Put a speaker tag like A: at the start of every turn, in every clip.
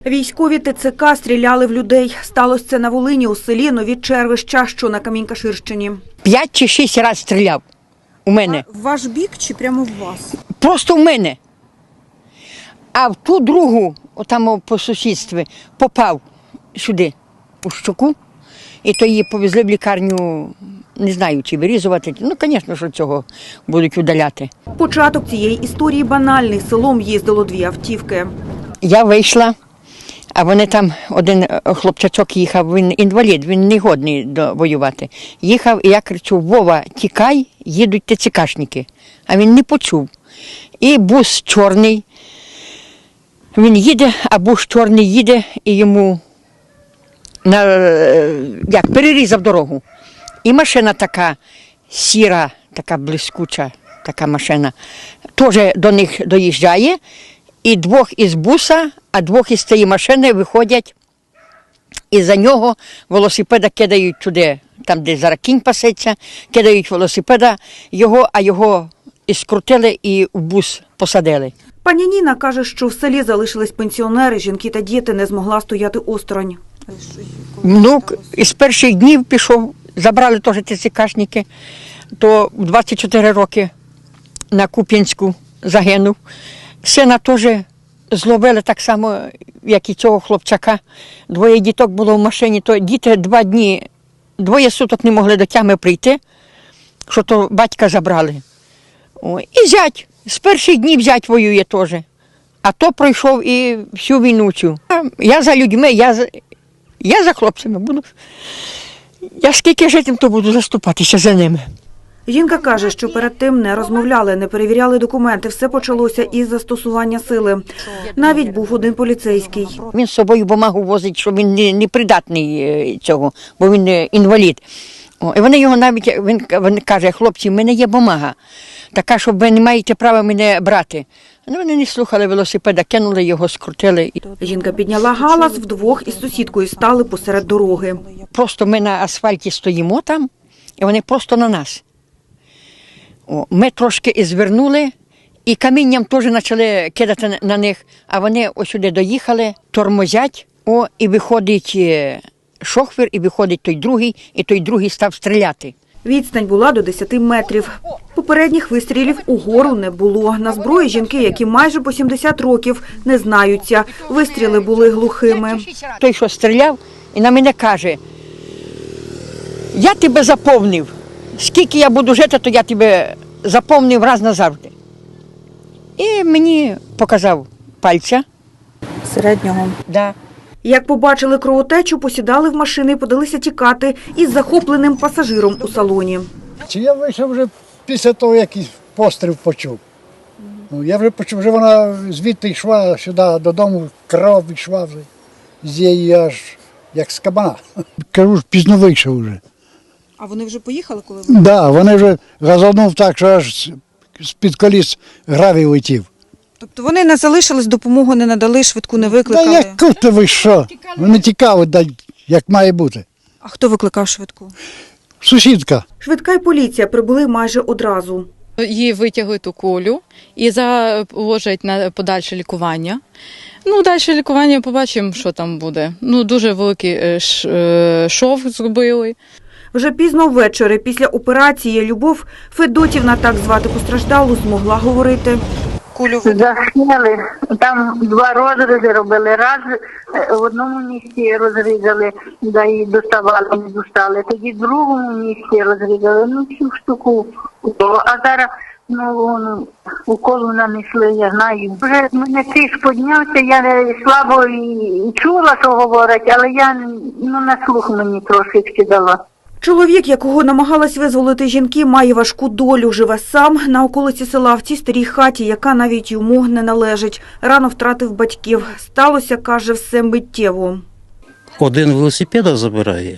A: Військові ТЦК стріляли в людей. Сталося це на Волині у селі Нові Червища, що на Камінь-Каширщині.
B: 5 чи 6 разів стріляв у мене.
A: В ваш бік чи прямо в вас?
B: Просто в мене. А в ту другу, отам по сусідстві, попав сюди, у щоку. І то її повезли в лікарню, не знаю, чи вирізувати. Ну, звісно, що цього будуть удаляти.
A: Початок цієї історії банальний. Селом їздило 2 автівки.
B: Я вийшла, а вони там, один хлопчачок їхав, він інвалід, він не годний воювати. Їхав, і я кричу: Вова, тікай, їдуть ТЦКшники. А він не почув. І бус чорний, він їде, а бус чорний їде, і йому перерізав дорогу. І машина така сіра, така блискуча, така машина, теж до них доїжджає. І 2 із буса, а 2 із цієї машини виходять, і за нього велосипеда кидають туди, там, де зараз кінь пасеться, кидають велосипеда, а його і скрутили, і в бус посадили.
A: Пані Ніна каже, що в селі залишились пенсіонери, жінки та діти, не змогла стояти осторонь.
B: Внук із перших днів пішов, забрали теж ТЦКшники, то в 24 роки на Куп'янську загинув. Сина теж зловили так само, як і цього хлопчака. 2 діток було в машині, то діти 2 дні, 2 суток не могли до тями прийти, що то батька забрали. І зять, з перших днів зять воює теж. А то пройшов і всю війну цю. Я за людьми, я за хлопцями буду. Я скільки житиму, то буду заступатися за ними.
A: Жінка каже, що перед тим не розмовляли, не перевіряли документи. Все почалося із застосування сили. Навіть був один поліцейський.
B: Він з собою бумагу возить, що він не придатний цього, бо він інвалід. І вони його навіть, він каже: хлопці, в мене є бумага, така, що ви не маєте права мене брати. Ну, вони не слухали велосипеда, кинули його, скрутили.
A: Жінка підняла галас, вдвох із сусідкою стали посеред дороги.
B: Просто ми на асфальті стоїмо там, і вони просто на нас. Ми трошки і звернули, і камінням теж почали кидати на них, а вони ось сюди доїхали, тормозять, і виходить шофер, і виходить той другий, і той другий став стріляти.
A: Відстань була до 10 метрів. Попередніх вистрілів угору не було. На зброї жінки, які майже по 70 років, не знаються. Вистріли були глухими.
B: Той, що стріляв, і на мене каже: я тебе заповнив. Скільки я буду жити, то я тебе заповнив раз назавжди. І мені показав пальця.
A: Середнього.
B: Да.
A: Як побачили кровотечу, посідали в машини і подалися тікати із захопленим пасажиром у салоні.
C: Чи я вийшов вже після того, як постріл почув. Я вже почув, вже вона звідти йшла сюди додому, кров йшла вже з її аж як з кабана. Кажу, пізно вийшов вже.
A: А вони вже поїхали, коли ви?
C: Так, да, вони вже газанув так, що аж з-під коліс гравій летів.
D: Тобто вони не залишились, допомогу не надали, швидку не
C: Та
D: викликали?
C: як то ви що? Вони тікали, як має бути.
D: А хто викликав швидку?
C: Сусідка.
A: Швидка й поліція прибули майже одразу.
E: Її витягують у колю і заложать на подальше лікування. Ну, далі лікування побачимо, що там буде. Ну, дуже великий шов зробили.
A: Вже пізно ввечері, після операції, Любов Федотівна, так звати постраждалу, змогла говорити.
F: Засняли, там 2 розрізи робили. Раз в одному місці розрізали, да і доставали, не достали. Тоді в другому місці розрізали, всю штуку. А зараз уколу нанесли, я знаю. Вже мене тиск піднявся, я слабо і чула, що говорять, але я на слух мені трошечки дала.
A: Чоловік, якого намагалась визволити жінки, має важку долю. Живе сам на околиці села в цій старій хаті, яка навіть йому не належить. Рано втратив батьків. Сталося, каже, все миттєво.
G: 1 велосипеда забирає,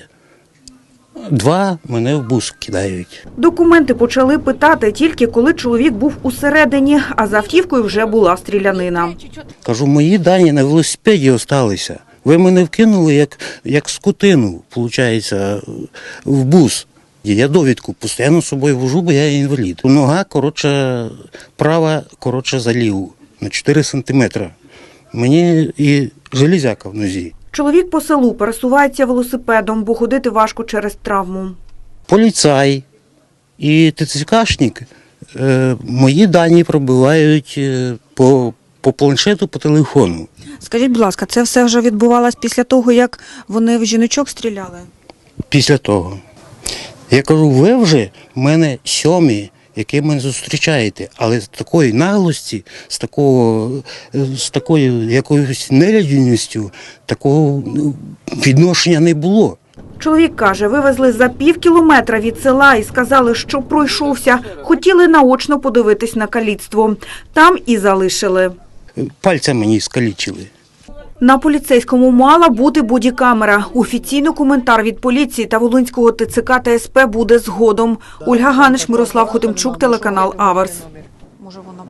G: 2 мене в бус кидають.
A: Документи почали питати тільки коли чоловік був усередині, а за автівкою вже була стрілянина.
G: Кажу, мої дані на велосипеді залишилися. Ви мене вкинули як скотину, виходить, в бус. Я довідку постійно з собою вожу, бо я інвалід. Нога, права, за ліву, на 4 сантиметри. Мені і железяка в нозі.
A: Чоловік по селу пересувається велосипедом, бо ходити важко через травму.
G: Поліцай і ТЦКшник мої дані пробивають по планшету, по телефону.
D: Скажіть, будь ласка, це все вже відбувалось після того, як вони в жіночок стріляли?
G: Після того. Я кажу, ви вже в мене сьомі, які мене зустрічаєте, але з такої наглості, з такою якоюсь нелюдяністю, такого відношення не було.
A: Чоловік каже, вивезли за пів кілометра від села і сказали, що пройшовся. Хотіли наочно подивитись на каліцтво. Там і залишили.
G: Пальця мені скалічили.
A: На поліцейському мала бути бодікамера. Офіційно коментар від поліції та Волинського ТЦК та СП буде згодом. Ольга Ганич, Мирослав Хотимчук, телеканал Аверс.